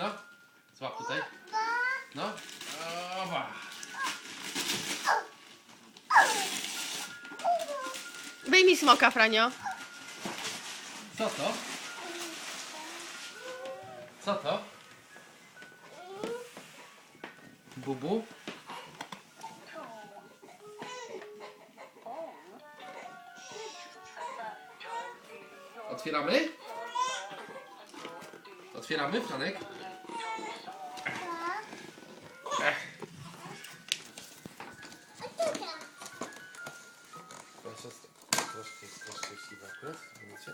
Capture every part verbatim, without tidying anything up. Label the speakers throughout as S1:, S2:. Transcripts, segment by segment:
S1: No, złap tutaj. No. Oba.
S2: Wyjmij smoka, Franio.
S1: Co to? Co to? Bubu? Otwieramy? Otwieramy, Franek? Ech. Proszę, troszkę jest też szczęśliwa akurat, widzicie?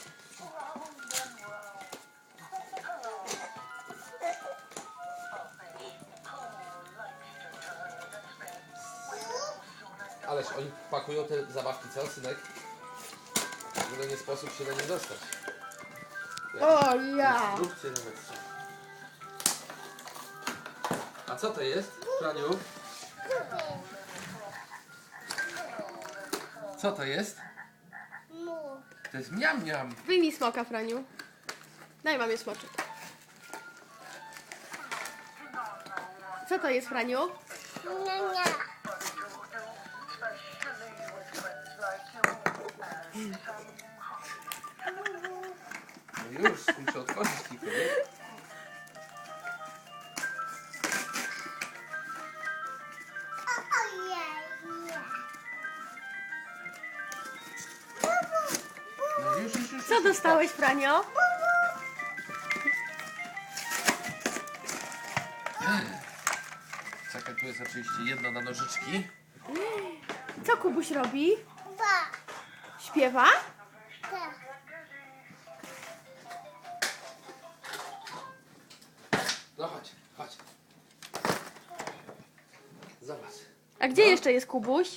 S1: Ależ oni pakują te zabawki, co, synek? W nie sposób się na nie dostać.
S2: O ja!
S1: Zróbcie nawet co. A co to jest, Franiu? Co to jest? To jest miam miam.
S2: Wyjmij smoka, Franiu. Daj mamie smoczek. Co to jest, Franiu?
S1: No już, muszę otworzyć kilka, nie? No już, już, już.
S2: Co dostałeś, Franio?
S1: Czekaj, tu jest oczywiście jedno na nożyczki.
S2: Co Kubuś robi? Śpiewa?
S1: No chodź, chodź. Zobacz.
S2: A gdzie jeszcze jest Kubuś?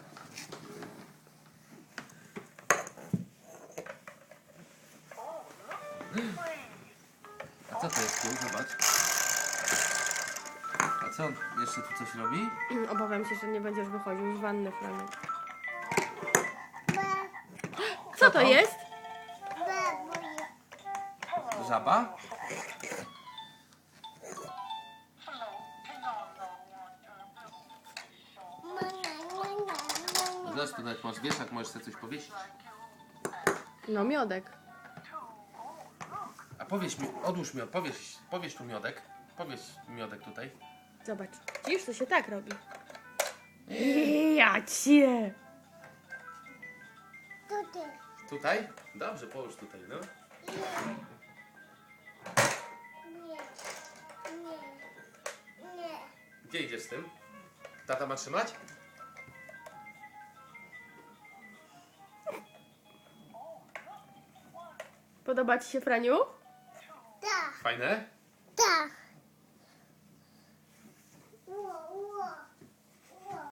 S1: A co to jest tu? Zobacz. A co on jeszcze tu coś robi?
S2: Obawiam się, że nie będziesz wychodził z wanny, Franiu.
S1: Co
S2: Co to
S1: to?
S2: jest?
S1: Żaba? Zobacz, tu nawet masz wieszak, możesz sobie coś powiesić.
S2: No, miodek.
S1: A powieś mi, odłóż mi, powieś, powieś tu miodek. Powieś miodek tutaj.
S2: Zobacz. Widzisz, to się tak robi. Ja cię!
S1: Tutaj? Dobrze, połóż tutaj, no. Gdzie idziesz z tym? Tata ma trzymać?
S2: Podoba ci się, Franiu?
S1: Fajne?
S3: Tak.